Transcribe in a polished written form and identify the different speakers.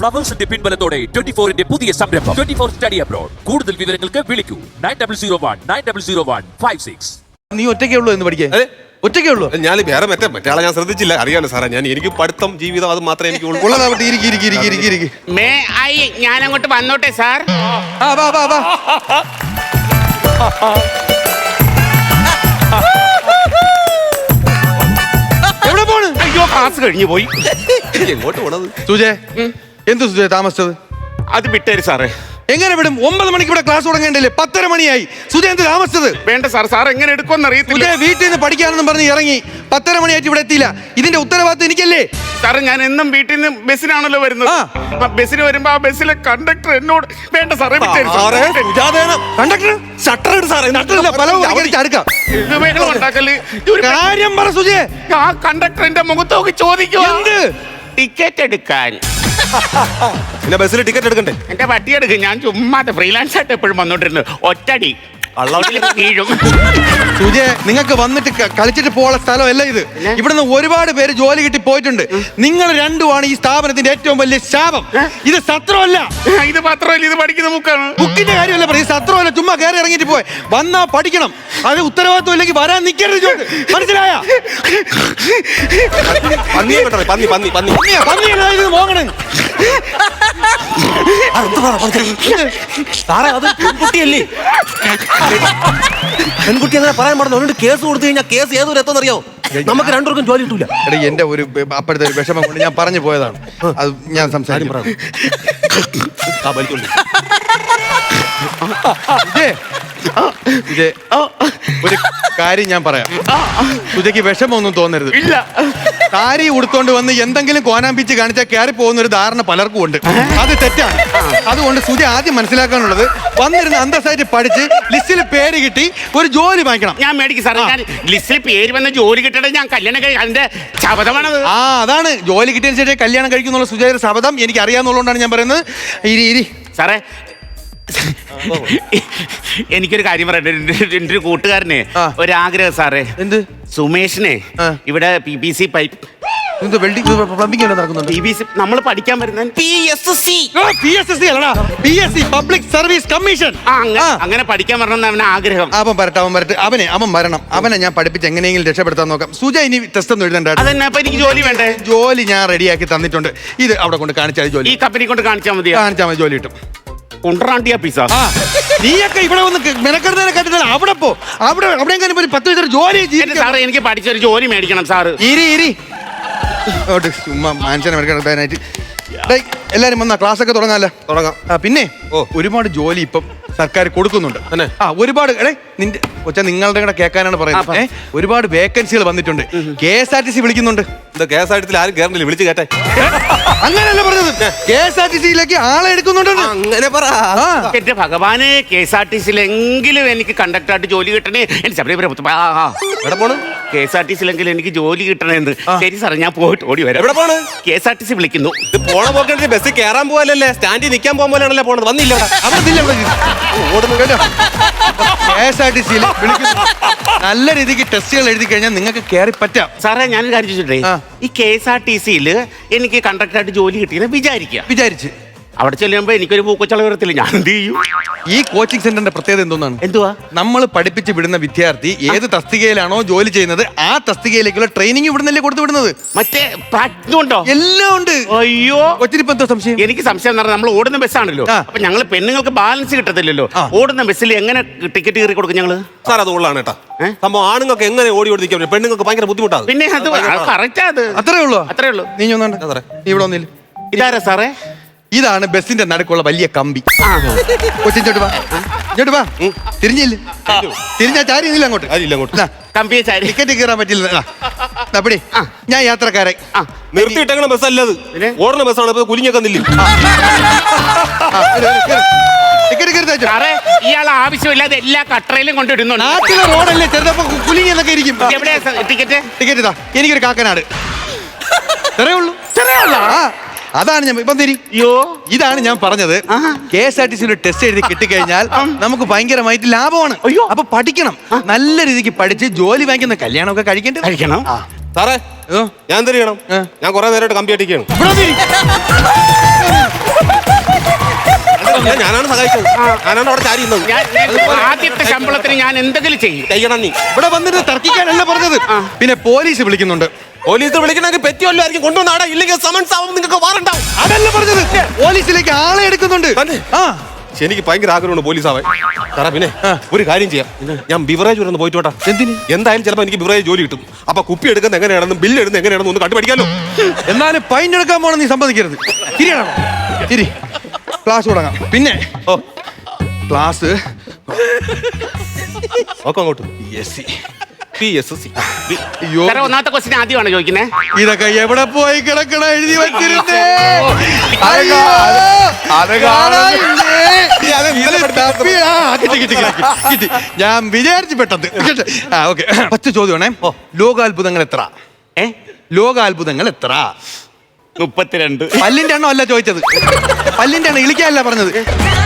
Speaker 1: ഫ്ലവേഴ്സിന്റെ പിൻബലത്തോടെ 24-ന്റെ പുതിയ സംരംഭം 24 study abroad. കൂടുതൽ വിവരങ്ങൾക്ക് വിളിക്കൂ 9001900156.
Speaker 2: നീ ഒറ്റയ്ക്കേ ഉള്ളൂ എന്ന് പഠിക്കാൻ? ഒറ്റയ്ക്കേ ഉള്ളൂ?
Speaker 3: ഞാൻ വേറെ മറ്റേ ആളെ ഞാൻ ശ്രദ്ധിച്ചില്ല. അറിയാലോ സാറേ, എനിക്ക് പഠിത്തം ജീവിതം അത് മാത്രമേ എനിക്ക്
Speaker 4: ഞാൻ അങ്ങോട്ട് വന്നോട്ടെ സാർ.
Speaker 2: എവിടെ പോണ്?
Speaker 4: അയ്യോ, ക്ലാസ് കഴിഞ്ഞു പോയി.
Speaker 3: എങ്ങോട്ട് പോണത്?
Speaker 2: സുജേ, എന്ത് സുജേ താമസിച്ചത്?
Speaker 4: അത് വിട്ടേര് സാറേ.
Speaker 2: എങ്ങനെ വിടും? 9 മണിക്ക് ഇവിടെ ക്ലാസ് തുടങ്ങേണ്ടല്ലേ? 10:30 മണിയായി. സുജേ എന്ത് താമസിച്ചത്?
Speaker 4: വേണ്ട സാർ, സാർ എങ്ങനെ എടുക്കുമെന്ന് അറിയത്തില്ല.
Speaker 2: സുജേ വീട്ടിൽ നിന്ന് പഠിക്കാനെന്നും പറഞ്ഞ് ഇറങ്ങി 10:30 മണിയായിട്ട് ഇവിടെ എത്തിയില്ല. ഇതിന്റെ ഉത്തരവാദിത്വം എനിക്കല്ലേ?
Speaker 4: സാറേ, ഞാൻ എന്നും വീട്ടിൽ നിന്ന് ബസ്സിനാണല്ലോ വരുന്നത്. ബസ്സിന് വരുമ്പോ ആ ബസ്സിലെ കണ്ടക്ടർ എന്നോട് വേണ്ട സാറേ
Speaker 2: കണ്ടക്ടർ ഷട്ടർ ഇട് സാറേ. കാര്യം പറ സുജേ.
Speaker 4: ആ കണ്ടക്ടർ എന്റെ മുഖത്ത് നോക്കി ചോദിക്കുക, ടിക്കറ്റ് എടുക്കാൻ.
Speaker 3: പിന്നെ ബസ്സിൽ ടിക്കറ്റ് എടുക്കണ്ടേ?
Speaker 4: എന്റെ പട്ടി എടുക്കും. ഞാൻ ചുമ്മാ ഫ്രീലാൻസ് ആയിട്ട് എപ്പോഴും വന്നോണ്ടിരുന്നു. ഒറ്റടി വീഴും.
Speaker 2: സുജേ, നിങ്ങൾക്ക് വന്നിട്ട് കളിച്ചിട്ട് പോകാനുള്ള സ്ഥലമല്ല ഇത്. ഇവിടുന്ന് ഒരുപാട് പേര് ജോലി കിട്ടി പോയിട്ടുണ്ട്. നിങ്ങൾ രണ്ടുമാണ് ഈ സ്ഥാപനത്തിന്റെ ഏറ്റവും വലിയ ശാപം. ഇത് സത്രമല്ല.
Speaker 4: ഇത് മാത്രമല്ല, ഇത് പഠിക്കുന്ന ബുക്കാണ്.
Speaker 2: ബുക്കിന്റെ കാര്യമല്ല പറയും, സത്രമല്ല. ചുമ്മാ കയറി ഇറങ്ങിയിട്ട് പോയി വന്നാ പഠിക്കണം. അത് ഉത്തരവാദിത്വം ഇല്ലെങ്കിൽ വരാൻ നിൽക്കരുത്. മനസ്സിലായ? മോങ്ങണേ
Speaker 3: സാറേ, അത് പെൺകുട്ടിയല്ലേ? പെൺകുട്ടി അങ്ങനെ പറയാൻ പാടില്ല. അതുകൊണ്ട് കേസ് കൊടുത്തു കഴിഞ്ഞാൽ കേസ് ഏതൊരു എത്തുന്നറിയോ? നമുക്ക് രണ്ടുപേർക്കും ജോലി കിട്ടൂല.
Speaker 2: എടാ, എന്റെ ഒരു അപ്പോഴത്തെ ഒരു വിഷമം കൊണ്ട് ഞാൻ പറഞ്ഞു പോയതാണ്. അത് ഞാൻ സംസാരിക്കും. ഒരു കാര്യം ഞാൻ പറയാം. സുജയ്ക്ക് വിഷമൊന്നും തോന്നരുത്.
Speaker 4: ഇല്ല,
Speaker 2: സാരി ഉടുത്തോണ്ട് വന്ന് എന്തെങ്കിലും കോനാമ്പിച്ച് കാണിച്ചാൽ കയറി പോകുന്ന ഒരു ധാരണ പലർക്കും ഉണ്ട്. അത് തെറ്റാണ്. അതുകൊണ്ട് സുജ ആദ്യം മനസ്സിലാക്കാനുള്ളത്, വന്നിരുന്ന് അന്തസ്സായിട്ട് പഠിച്ച് ലിസ്റ്റിൽ പേര് കിട്ടി ഒരു ജോലി വാങ്ങിക്കണം.
Speaker 4: ഞാൻ മേടിക്കും സാറേ. ഞാൻ ലിസ്റ്റിൽ പേര് വന്ന ജോലി കിട്ടണേ ഞാൻ കല്യാണം അതിന്റെ ശബദമാണത്.
Speaker 2: അതാണ് ജോലി കിട്ടിയതിന് ശേഷം കല്യാണം കഴിക്കുന്നുള്ള സുജയുടെ ശബദം എനിക്ക് അറിയാവുന്നതുകൊണ്ടാണ് ഞാൻ പറയുന്നത്. ഇരി
Speaker 4: സാറേ, എനിക്കൊരു കാര്യം പറയട്ടെ. എൻ്റെ ഒരു കൂട്ടുകാരനെ ഒരാഗ്രഹം സാറേ.
Speaker 2: എന്ത്?
Speaker 4: സുമേഷിനെ ഇവിടെ PVC പൈപ്പ്
Speaker 2: പ്ലംബിംഗ് നടക്കുന്നുണ്ട്.
Speaker 4: PVC നമ്മൾ പഠിക്കാൻ വരുന്ന PSC
Speaker 2: അല്ലടാ, PSC പബ്ലിക് സർവീസ് കമ്മീഷൻ.
Speaker 4: അങ്ങനെ പഠിക്കാൻ വരണമെന്ന് അവന് ആഗ്രഹം.
Speaker 2: അവൻ വരട്ടെ. അവൻ വരണം. അവനെ ഞാൻ പഠിപ്പിച്ച് എങ്ങനെയെങ്കിലും രക്ഷപ്പെടുത്താൻ നോക്കാം. സുജ ഇനി ടെസ്റ്റ് ഒന്നും എഴുതണ്ട.
Speaker 4: അതന്നെ. അപ്പൊ എനിക്ക് ജോലി വേണ്ടേ?
Speaker 2: ജോലി ഞാൻ റെഡിയാക്കി തന്നിട്ടുണ്ട്. ഇത് അവിടെ കൊണ്ട് കാണിച്ചാൽ ജോലി.
Speaker 4: ഈ കമ്പനി കൊണ്ട് കാണിച്ചാൽ മതി.
Speaker 2: ജോലി കിട്ടും.
Speaker 4: നീയൊക്കെ
Speaker 2: ഇവിടെ വന്ന് മെനക്കെടുന്നതിനെ കണ്ടിട്ട് അവിടെ പോ. അവിടെ 10 ജോലി
Speaker 4: സാറേ, എനിക്ക് പഠിച്ചൊരു ജോലി മേടിക്കണം സാറ്.
Speaker 2: ഇരി ചുമ്മാ മനുഷ്യനെ മെനക്കെടുക്കാനായിട്ട്. എല്ലാരും വന്നാ ക്ലാസ് ഒക്കെ തുടങ്ങാം. പിന്നെ ഒരുപാട് ജോലി ഇപ്പം സർക്കാർ കൊടുക്കുന്നുണ്ട്. ഒരുപാട് നിങ്ങളുടെ കൂടെ കേൾക്കാനാണ് പറയുന്നത്. ഒരുപാട് വേക്കൻസികൾ വന്നിട്ടുണ്ട്. KSRTC വിളിക്കുന്നുണ്ട്.
Speaker 3: KSRTC ആരും കേറണില്ല, വിളിച്ചു കേട്ടെ.
Speaker 2: അങ്ങനെയല്ല പറഞ്ഞത്, KSRTC-ലേക്ക് ആളെ എടുക്കുന്നുണ്ട്.
Speaker 3: അങ്ങനെ പറ.
Speaker 4: എന്റെ ഭഗവാനെ, KSRTC-ലെങ്കിലും എനിക്ക് കണ്ടക്ടറായിട്ട് ജോലി കിട്ടണേ. KSRTC-ലെങ്കിലും എനിക്ക് ജോലി കിട്ടണേന്ന്. ശരി സാറേ, ഞാൻ പോയിട്ട് ഓടി വരാം.
Speaker 3: എവിടെ പോണ്?
Speaker 4: KSRTC വിളിക്കുന്നു.
Speaker 3: പോണ പോക്കേ ബസ്സിൽ കയറാൻ പോകാനല്ലേ, സ്റ്റാൻഡിൽ നിൽക്കാൻ പോകാൻ പോലെയാണല്ലേ പോണത്. വന്നില്ല
Speaker 2: KSRTC-യിൽ നല്ല രീതിക്ക് ടെസ്റ്റുകൾ എഴുതി കഴിഞ്ഞാൽ നിങ്ങൾക്ക് കയറി പറ്റാം.
Speaker 4: സാറേ, ഞാൻ കാര്യം ചോദിച്ചിട്ടേ, ഈ KSRTC-യിൽ എനിക്ക് കണ്ടക്ടറായിട്ട് ജോലി കിട്ടിയെന്ന് വിചാരിച്ച് അവിടെ ചെല്ലുമ്പോ എനിക്കൊരു പൂക്കച്ചള വരത്തില്ല. ഞാൻ എന്ത് ചെയ്യും?
Speaker 2: ഈ കോച്ചിങ് സെന്ററിന്റെ പ്രത്യേകത എന്തുവാ? നമ്മൾ പഠിപ്പിച്ച് വിടുന്ന വിദ്യാർത്ഥി ഏത് തസ്തികയിലാണോ ജോലി ചെയ്യുന്നത് ആ തസ്തികയിലേക്കുള്ള ട്രെയിനിങ് ഇവിടുന്നല്ലേ കൊടുത്തു വിടുന്നത്.
Speaker 4: മറ്റേ പ്രാക്ടിക്കും ഉണ്ടോ?
Speaker 2: എല്ലാം ഉണ്ട്.
Speaker 4: അയ്യോ,
Speaker 2: കൊച്ചിനിപ്പോ എന്തോ സംശയം?
Speaker 4: എനിക്ക് സംശയം എന്ന് പറഞ്ഞാൽ നമ്മൾ ഓടുന്ന ബസ്സാണല്ലോ. അപ്പൊ ഞങ്ങൾ പെണ്ണുങ്ങൾക്ക് ബാലൻസ് കിട്ടത്തില്ലല്ലോ. ഓടുന്ന ബസ്സിൽ എങ്ങനെ ടിക്കറ്റ് കയറി കൊടുക്കും ഞങ്ങള്?
Speaker 3: സാർ, അത് ഉള്ളതാണ് കേട്ടോ സംഭവം. ആണുങ്ങൾക്ക് എങ്ങനെ ഓടി ഓടിക്കാൻ, പെണ്ണുങ്ങൾക്ക് ഭയങ്കര ബുദ്ധിമുട്ടാണ്.
Speaker 4: പിന്നെ അത് കറക്റ്റാ. അത് അത്രേ ഉള്ളൂ.
Speaker 2: നീ ഇവിടെ വന്നില്ല.
Speaker 4: ഇതാരാ സാറേ?
Speaker 2: ഇതാണ് ബസ്സിന്റെ നടുക്കുള്ള വലിയ കമ്പി. കൊച്ചിങ്ങോട്ട് വാ. തിരിഞ്ഞാ ചാരിയില്ല അങ്ങോട്ട്. ടിക്കറ്റ് കയറാൻ പറ്റില്ല. അപ്പടി ഞാൻ യാത്രക്കാരെ
Speaker 3: നിർത്തിയിട്ടേക്കണ ബസ്സല്ലത്, ഓടുന്ന ബസ്സാണ്. കുലിഞ്ഞൊക്കെ നില്ലും.
Speaker 4: ഇയാൾ ആവശ്യമില്ലാതെ എല്ലാ കട്ടറയിലും കൊണ്ടിടുന്നുണ്ട്.
Speaker 2: നാട്ടിലെ റോഡല്ലേ ചെറുതപ്പോ കുലിങ്ങി എന്നൊക്കെ ഇരിക്കും. ടിക്കറ്റ് ഇതാ. എനിക്കൊരു കാക്കനാട്. അതാണ് ഞാൻ ഇപ്പം ഇതാണ് ഞാൻ പറഞ്ഞത്. KSRTC-യുടെ ടെസ്റ്റ് എഴുതി കിട്ടിക്കഴിഞ്ഞാൽ നമുക്ക് ഭയങ്കരമായിട്ട് ലാഭമാണ്. അപ്പൊ പഠിക്കണം. നല്ല രീതിക്ക് പഠിച്ച് ജോലി വാങ്ങിക്കുന്ന കല്യാണമൊക്കെ കഴിക്കണം.
Speaker 3: സാറേ, ഞാൻ എന്ത് ചെയ്യണം? ഞാൻ കുറെ നേരമായിട്ട് കമ്പി അടിക്കണം. ഞാനാണ് സഹായിച്ചത്. ഞാനാണ് അവിടെ ചാരി ഇരുന്നത്.
Speaker 4: ആദ്യത്തെ ശമ്പളത്തിന് ഞാൻ എന്തെങ്കിലും ചെയ്യും.
Speaker 3: ചെയ്യണം നീ.
Speaker 2: ഇവിടെ വന്നിട്ട് തർക്കിക്കാനല്ല പറഞ്ഞത്. പിന്നെ പോലീസ് വിളിക്കുന്നുണ്ട്.
Speaker 3: പോലീസ് വിളിക്കണമെങ്കിൽ പെറ്റിയല്ലോ ആയിരിക്കും കൊണ്ടുവന്നാടാ, ഇല്ലെങ്കിൽ സമൻസ് ആവും, നിങ്ങൾക്ക് വാറണ്ടാവും.
Speaker 2: അതല്ല പറഞ്ഞത്, പോലീസിലേക്ക് ആളെ എടുക്കുന്നുണ്ട്. ആ
Speaker 3: എനിക്ക് ഭയങ്കര ആഗ്രഹമുണ്ട് പോലീസ് ആവാൻ. സാറാ പിന്നെ ഒരു കാര്യം ചെയ്യാം, ഞാൻ ബിവറേജ് വരെ ഒന്ന് പോയിട്ട് വേട്ടാ.
Speaker 2: എന്തിന്?
Speaker 3: എന്തായാലും ചിലപ്പോൾ എനിക്ക് ബിവറേജ് ജോലി കിട്ടും. അപ്പൊ കുപ്പി എടുക്കുന്നത് എങ്ങനെയാണെന്നും ബില്ല് എടുക്കുന്നത് എങ്ങനെയാണെന്നും ഒന്ന് കണ്ടുപിടിക്കാലോ.
Speaker 2: എന്നാലും ഫൈൻ എടുക്കാൻ പോണം നീ സമ്മതിക്കരുത്. ശരി, ക്ലാസ് തുടങ്ങാം. പിന്നെ ക്ലാസ്
Speaker 3: ഒക്കെ അങ്ങോട്ട്
Speaker 2: അയ്യോ,
Speaker 4: സാറേ, ഒന്നാമത്തെ ക്വസ്റ്റ്യൻ ആദ്യമാണ് ചോദിക്കുന്നത്.
Speaker 2: ഇതൊക്കെ എവിടെ പോയി കിടക്കണ എഴുതി വെച്ചിരുന്നേ. കിട്ടി. ഞാൻ വിചാരിച്ചു പെട്ടത്. ഓക്കെ, 10 ചോദ്യമാണേ. ലോകാത്ഭുതങ്ങൾ എത്ര? ലോകാത്ഭുതങ്ങൾ എത്ര?
Speaker 4: 32.
Speaker 2: പല്ലിന്റെ എണ്ണം അല്ല ചോദിച്ചത്, പല്ലിന്റെ എണ്ണം ഇളിക്കാനല്ല പറഞ്ഞത്.